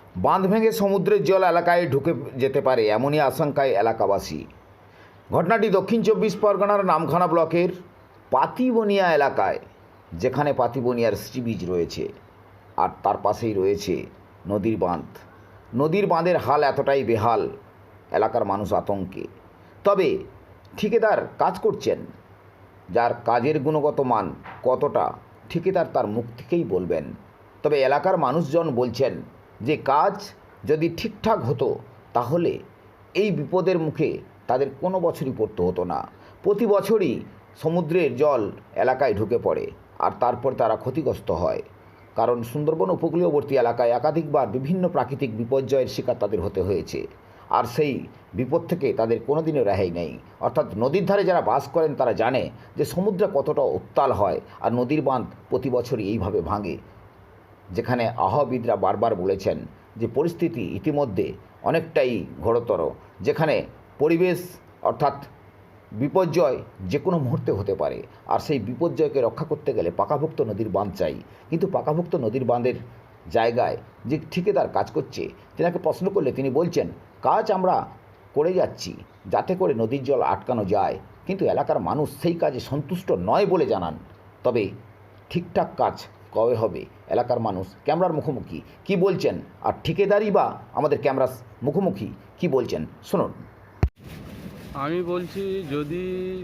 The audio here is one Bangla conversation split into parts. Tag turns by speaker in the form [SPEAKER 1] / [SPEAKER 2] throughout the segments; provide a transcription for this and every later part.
[SPEAKER 1] বাঁধ ভেঙে সমুদ্রের জল এলাকায় ঢুকে যেতে পারে এমনই আশঙ্কায় এলাকাবাসী। ঘটনাটি দক্ষিণ 24 পরগনার নামখানা ব্লকের পাতিবনিয়া এলাকায়, যেখানে পাতিবনিয়ার সি বিচ রয়েছে আর তার পাশেই রয়েছে নদীর বাঁধ। নদীর বাঁধের হাল এতটাই বেহাল, এলাকার মানুষ আতঙ্কে। তবে ঠিকাদার কাজ করছেন, যার কাজের গুণগত মান কতটা ঠিকাদার তার মুখ থেকেই বলবেন। তবে এলাকার মানুষজন বলছেন যে কাজ যদি ঠিকঠাক হতো তাহলে এই বিপদের মুখে তাদের কোনো বছরই পড়তে হতো না। প্রতি বছরই সমুদ্রের জল এলাকায় ঢুকে পড়ে আর তারপর তারা ক্ষতিগ্রস্ত হয়, কারণ সুন্দরবন উপকূলীয়বর্তী এলাকায় একাধিকবার বিভিন্ন প্রাকৃতিক বিপর্যয়ের শিকার তাদের হতে হয়েছে। আর সেই বিপদ থেকে তাদের কোনোদিনও রেহাই নেই। অর্থাৎ নদীর ধারে যারা বাস করেন তারা জানে যে সমুদ্রে কতটা উত্তাল হয়, আর নদীর বাঁধ প্রতি বছরই এইভাবে ভাঙে। যেখানে আবহাওয়াবিদরা বারবার বলেছেন যে পরিস্থিতি ইতিমধ্যে অনেকটাই ঘোরতর, যেখানে পরিবেশ অর্থাৎ বিপর্যয় যে কোনো মুহূর্তে হতে পারে। আর সেই বিপর্যয়কে রক্ষা করতে গেলে পাকাভুক্ত নদীর বাঁধ চাই। কিন্তু পাকাভুক্ত নদীর বাঁধের জায়গায় যে ঠিকাদার কাজ করছে, তেনাকে প্রশ্ন করলে তিনি বলছেন কাজ আমরা করে যাচ্ছি যাতে করে নদীর জল আটকানো যায়, কিন্তু এলাকার মানুষ সেই কাজে সন্তুষ্ট নয় বলে জানান। তবে ঠিকঠাক কাজ কবে হবে এলাকার মানুষ ক্যামেরার মুখোমুখি কি বলছেন, আর ঠিকাদারই বা আমাদের ক্যামেরার মুখোমুখি কি বলছেন শুনুন।
[SPEAKER 2] আমি বলছি, যদি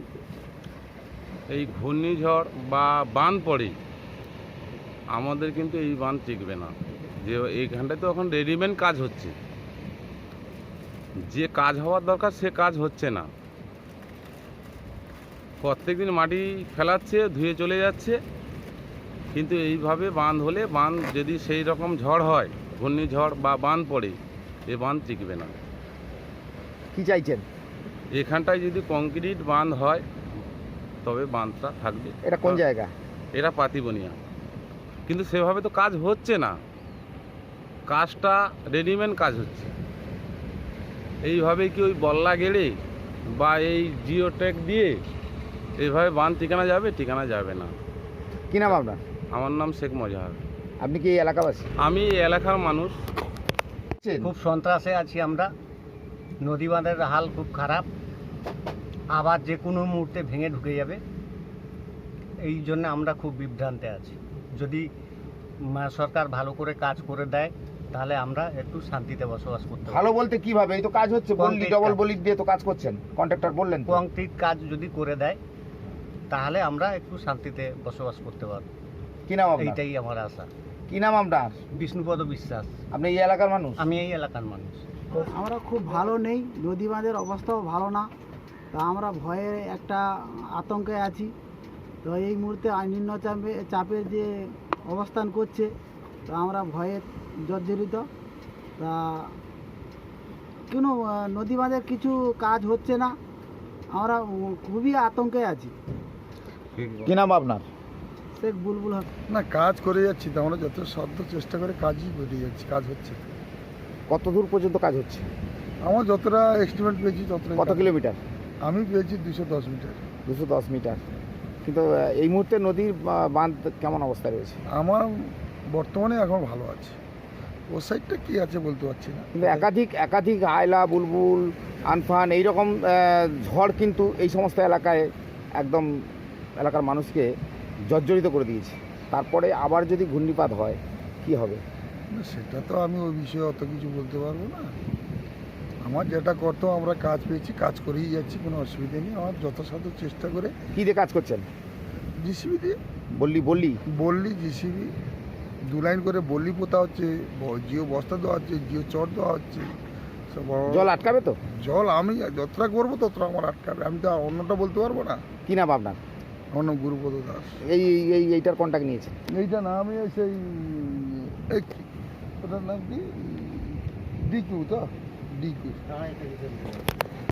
[SPEAKER 2] এই ঘূর্ণিঝড় বা বান পড়ে, আমাদের কিন্তু এই বান টিকবে না। যে এইখানটায় তো এখন রেডিমেড কাজ হচ্ছে, যে কাজ হওয়ার দরকার সে কাজ হচ্ছে না। প্রত্যেকদিন মাটি ফেলাচ্ছে, ধুয়ে চলে যাচ্ছে, কিন্তু এইভাবে বাঁধ হলে, বাঁধ যদি সেই রকম ঝড় হয়, ঘূর্ণিঝড় বা বান পড়ে, এ বাঁধ টিকবে না।
[SPEAKER 1] কি চাইছেন?
[SPEAKER 2] এখানটায় যদি কংক্রিট বাঁধ হয় তবে বাঁধটা থাকবে।
[SPEAKER 1] এটা কোন জায়গা?
[SPEAKER 2] এটা পাতিবনিয়া, কিন্তু সেভাবে তো কাজ হচ্ছে না। কাজটা রেডিমেড কাজ হচ্ছে। এইভাবে কি ওই বল্লা গেড়ে বা এই জিওটেক দিয়ে এইভাবে বাঁধ ঠিকানা যাবে? ঠিকানা যাবে না।
[SPEAKER 1] কি নাম আপনার?
[SPEAKER 2] আমার নাম শেখ মজাহার।
[SPEAKER 1] আপনি কি এই এলাকাবাসী?
[SPEAKER 2] আমি এই এলাকার মানুষ।
[SPEAKER 3] খুব সন্ত্রাসে আছি আমরা। নদী বাঁধের হাল খুব খারাপ, আবার যে কোনো মুহূর্তে ভেঙে ঢুকে যাবে। এই জন্য আমরা খুব বিভ্রান্তে আছি। যদি সরকার ভালো করে কাজ করে দেয় তাহলে আমরা একটু শান্তিতে বসবাস করতে পারি।
[SPEAKER 1] ভালো বলতে কিভাবে? এই তো কাজ হচ্ছে, বললি ডবল বলি দিয়ে তো কাজ করছেন, কন্ট্রাক্টর বললেন তো।
[SPEAKER 3] কংক্রিট কাজ যদি করে দেয় তাহলে আমরা একটু শান্তিতে বসবাস করতে পারবো।
[SPEAKER 1] কি নাম আপনার?
[SPEAKER 3] এইটাই আমার আশা।
[SPEAKER 1] কি নাম আপনার?
[SPEAKER 3] বিষ্ণুপদ বিশ্বাস।
[SPEAKER 1] আপনি এই এলাকার মানুষ?
[SPEAKER 3] আমি এই এলাকার মানুষ।
[SPEAKER 4] আমরা খুব ভালো নেই, নদী বাঁধের অবস্থাও ভালো না। তা আমরা ভয়ে একটা আতঙ্কে আছি। তো এই মুহূর্তে নিম্ন চাপে যে অবস্থান করছে, তো আমরা ভয়ে জর্জরিত। তা কোনো নদী বাঁধের কিছু কাজ হচ্ছে না, আমরা খুবই আতঙ্কে আছি।
[SPEAKER 1] কি নাম আপনার?
[SPEAKER 4] শেখ বুলবুল হক।
[SPEAKER 5] না, কাজ করে যাচ্ছি তো, আমরা যত সাধ্য চেষ্টা করে কাজই করে যাচ্ছি, কাজ হচ্ছে।
[SPEAKER 1] কত দূর পর্যন্ত কাজ হচ্ছে?
[SPEAKER 5] আমার যতটা এস্টিমেট পেয়েছি ততটা।
[SPEAKER 1] কত কিলোমিটার?
[SPEAKER 5] আমি পেয়েছি 210 মিটার।
[SPEAKER 1] 210 মিটার। কিন্তু এই মুহূর্তে নদীর বাঁধ কেমন অবস্থা রয়েছে?
[SPEAKER 5] আমার বর্তমানে এখন ভালো আছে, ওর সাইডটা কী আছে বলতে পারছি না।
[SPEAKER 1] কিন্তু একাধিক আয়লা, বুলবুল, আনফান এইরকম ঝড় কিন্তু এই সমস্ত এলাকায় একদম এলাকার মানুষকে জর্জরিত করে দিয়েছে। তারপরে আবার যদি ঘূর্ণিপাত হয় কি হবে?
[SPEAKER 5] না, সেটা তো আমি ওই বিষয়ে অত কিছু বলতে পারবো না। আমার যেটা করতে আমরা কাজ পেয়েছি, কাজ করেই যাচ্ছি, কোনো অসুবিধা নেই। আমার যথাসাধ্য চেষ্টা করে।
[SPEAKER 1] কী দিয়ে কাজ করছেন?
[SPEAKER 5] জিসিবি দিয়ে। বললি জিসিবি 2 লাইন করে বললি পোতা হচ্ছে, জিও বস্তা দেওয়া হচ্ছে, জিও চট দেওয়া হচ্ছে।
[SPEAKER 1] জল আটকাবে তো?
[SPEAKER 5] জল আমি যতটা করবো ততটা আমার আটকাবে, আমি তো অন্যটা বলতে পারবো না।
[SPEAKER 1] কি নাম আপনার?
[SPEAKER 5] আমার নাম গুরুপদ দাস।
[SPEAKER 1] এইটার কন্ট্যাক্ট নিয়েছেন?
[SPEAKER 5] এইটা না, আমি সেই ওটার নাম কি, ডিকিউ তো, ডিকিউ।